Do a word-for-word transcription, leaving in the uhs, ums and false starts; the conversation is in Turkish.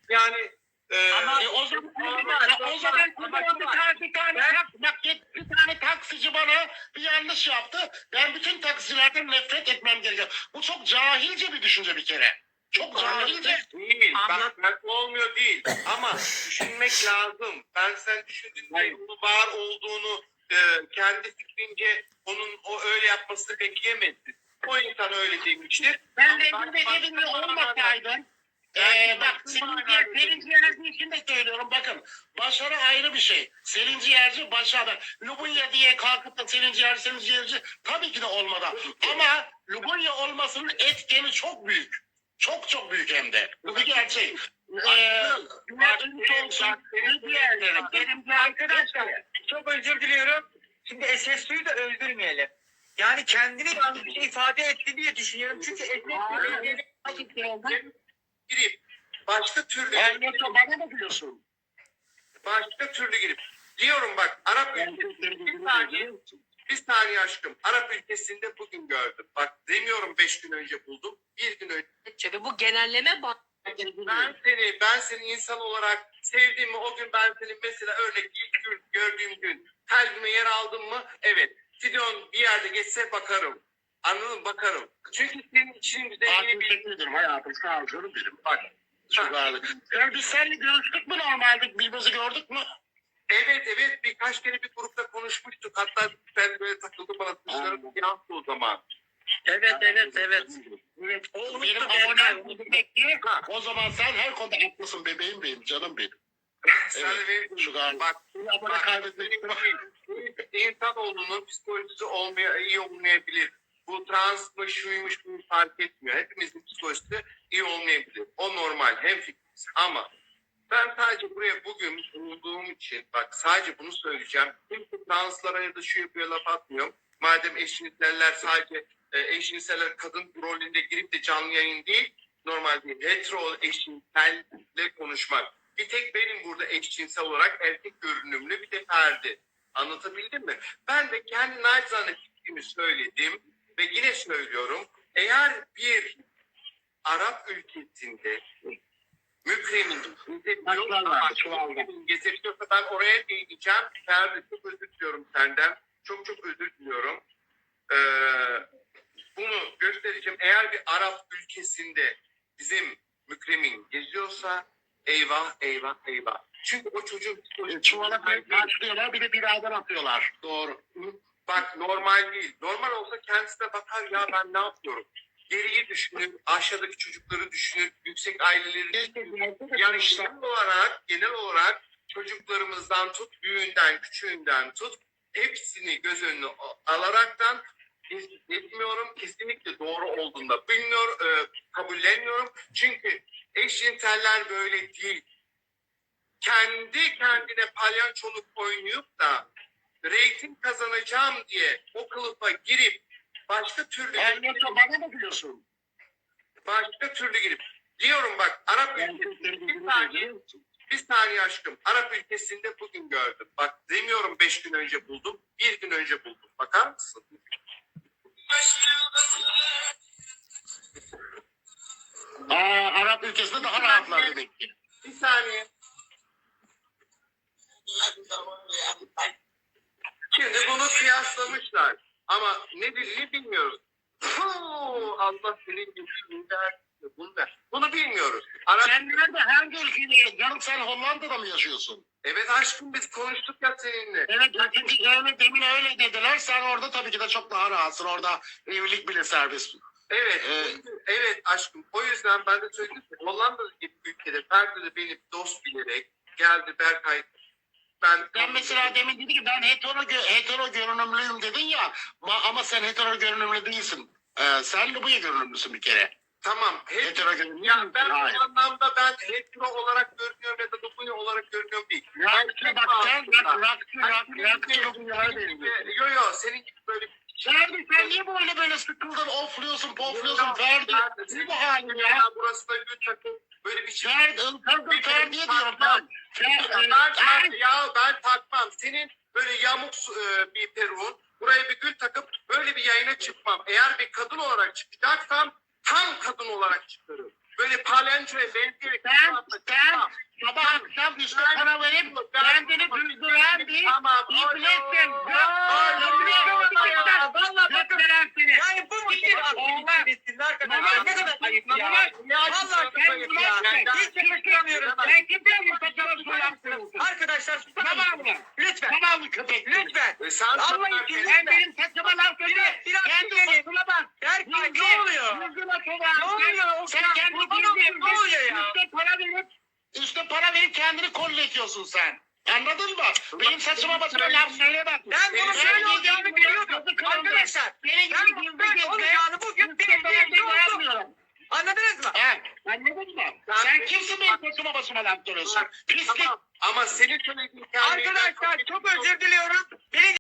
Yani e, Ama e, o zaman ama- o zaman ama- bir tane bir tane tak, bak bir tane taksici bana bir yanlış yaptı. Ben bütün taksicilerden nefret etmem gerekiyor. Bu çok cahilce bir düşünce bir kere. Çok cahilce. Değil. Anlat. Bak ben olmuyor değil. Ama düşünmek lazım. Ben sen düşündüğünde Hayır. onun var olduğunu e, kendi fikrince onun o öyle yapmasını bekleyemezsin. O insan öyle demiştir. Ben de Ama evimde bak- evimde bak- olmasaydım. Ben- Ee, bak Selin Ciğer, Selin Ciğerci için de söylüyorum bakın. Başarı ayrı bir şey. Selin Ciğerci başarı. Lubunya diye kalkıp da Selin Ciğerci, Selin Ciğerci tabii ki de olmadı. Ama Lubunya olmasının etkeni çok büyük. Çok çok büyük hem de. Bu bir gerçek. Ee, Güneş olsun, ne diğerleri, Kerimci arkadaşlar. Çok özür diliyorum. Şimdi S S Su'yu da öldürmeyelim. Yani kendini yanlış ifade etti diye düşünüyorum. Çünkü S S Su'yu girip başka türlü Ben de bana da biliyorsun. başka türlü girip diyorum bak Arap ülkesi bir saniye bir saniye aşkım Arap ülkesinde bugün gördüm. Bak demiyorum beş gün önce buldum. Bir gün önce Tabii bu genelleme bak. ben seni ben seni insan olarak sevdiğimi o gün ben seni mesela örnek ilk gün gördüğüm gün kalbime yer aldım mı? Evet. Sidon bir yerde geçse bakarım. Anladın mı? Bakarım. Çünkü senin için güzelliğini Artık bir teşekkür ederim hayatım. Sağ ol canım benim. bak. Çok ağırlı. Ya biz seninle görüştük mü normalde? Birbirimizi gördük mü? Evet evet birkaç kere bir grupta konuşmuştuk. Hatta ben böyle takıldım bana dışarı yansıdı o zaman. Evet evet evet. Evet. O Benim unuttu abonem Berkay. demek ki o zaman sen her konuda haklısın bebeğim benim, canım benim. Sen Evet, de benim şu galiba. bak Seni abone bak kaybetmek insanoğlunun psikolojisi olmaya iyi olmayabilir. Bu trans mı şuymuş bunu fark etmiyor. Hepimizin psikolojisi iyi olmayabilir. O normal hem fikrimiz ama ben sadece buraya bugün bulunduğum için bak sadece bunu söyleyeceğim. Kimse translara ya da şu yapıyor laf atmıyorum. Madem eşcinseller sadece e, eşcinseller kadın rolünde girip de canlı yayın değil, normal değil. Hetero eşcinselle konuşmak. Bir tek benim burada eşcinsel olarak erkek görünümlü bir de Ferdi. Anlatabildim mi? Ben de kendi naçizane fikrimi söyledim ve yine söylüyorum. Eğer bir Arap ülkesinde Mükremin getirtiyorsa ben oraya değineceğim. Ferdi çok özür diliyorum senden. Çok çok özür diliyorum. Ee, bunu göstereceğim. Eğer bir Arap ülkesinde bizim Mükremin geziyorsa eyvah eyvah eyvah. Çünkü o çocuğun çuvala karşılıyorlar bir de birader atıyorlar. Doğru. bak normal değil. Normal olsa kendisine bakar ya ben ne yapıyorum? Geriyi düşünür, aşağıdaki çocukları düşünür, yüksek aileleri düşünür. Yani genel olarak, genel olarak çocuklarımızdan tut, büyüğünden, küçüğünden tut, hepsini göz önüne alaraktan etmiyorum. Kesinlikle doğru olduğunda bilmiyorum, e, kabullenmiyorum. Çünkü eşcinseller böyle değil. Kendi kendine palyaçoluk oynayıp da reyting kazanacağım diye o kılıfa girip başka türlü Ben de bana da biliyorsun. başka türlü girip diyorum bak Arap ülkesinde bir saniye bir saniye aşkım Arap ülkesinde bugün gördüm. Bak demiyorum beş gün önce buldum. Bir gün önce buldum. Bakar mısın? Aa, Arap ülkesinde daha rahatlar demek ki. Bir saniye. Şimdi bunu kıyaslamışlar. Ama ne dediğini bilmiyoruz. Huu, Allah senin gibi der. Bunu der. Bunu bilmiyoruz. Arap... Sen nerede hangi ülkede? Canım sen Hollanda'da mı yaşıyorsun? Evet aşkım biz konuştuk ya seninle. Evet, çünkü öyle demin öyle dediler. Sen orada tabii ki de çok daha rahatsın. Orada evlilik bile serbest. Evet, Evet. evet aşkım. O yüzden ben de söyledim ki Hollanda gibi ülkede Ferdi de beni dost bilerek geldi Berkay. Ben, Ben mesela demin dedi ki ben hetero, gö- hetero görünümlüyüm dedin ya. Ma- ama sen hetero görünümlü değilsin. Ee, sen de bu görünümlüsün bir kere. Tamam. Hep, Hetero görünümlü ya ben Hayır. bu anlamda ben hetero olarak görünüyorum ya da Lubunya olarak görünüyorum değil. Rakçı bak sen bak rakçı rakçı rakçı Lubunya'ya benziyorsun. Yo yo senin gibi böyle Ferdi sen niye böyle böyle sıkıldın, ofluyorsun, pofluyorsun Ferdi? Ne bu halin ya? burası da gül takım böyle bir şey. Ferdi, ılkazın Ferdi'ye diyorum ben. Fer- Ya e, ben, Ay, ya ben takmam. Senin böyle yamuk e, bir peruğun buraya bir gül takıp böyle bir yayına çıkmam. Eğer bir kadın olarak çıkacaksam tam kadın olarak çıkarım. Böyle palençoya benzeyerek Sen, sen Tamam işte para verip kendini düzdüren bir Tamam. iblissin. Aa, Gökten vallahi bakın. gökten seni. Yani bu mu ki aktivitesinin arkadaşlar? Ne kadar ayıp ya. Vallahi çok ayıp ya. Hiç yakıştıramıyorum. Sen kimden bu saçma soyarsın? Arkadaşlar susar Tamam mısınız? mı? Lütfen. Tamam mı köpek? Lütfen. Ve sen Allah için Sen benim saçıma laf söyle. Biraz Kendi dinleyin. saçına bak. Der ki ne oluyor? Yüzüne sola. Ne oluyor o Sen kadar? kendi Kurban olayım, ne oluyor ya? Üste para verip üste para verip kendini kolletiyorsun sen. Anladın mı? Benim saçıma basına laf söyleme. Ben bunu şöyle olacağını biliyordum. Arkadaşlar Benim ben gibi bunu gizli böyle gizli. olacağını bugün bildiğimde oldu. Anladınız mı? He, anladın mı? Sen kimsin benim saçıma basıma laf söylüyorsun? Pislik. Tamam. Ama senin söylediğin Arkadaşlar çok özür diliyorum. Beni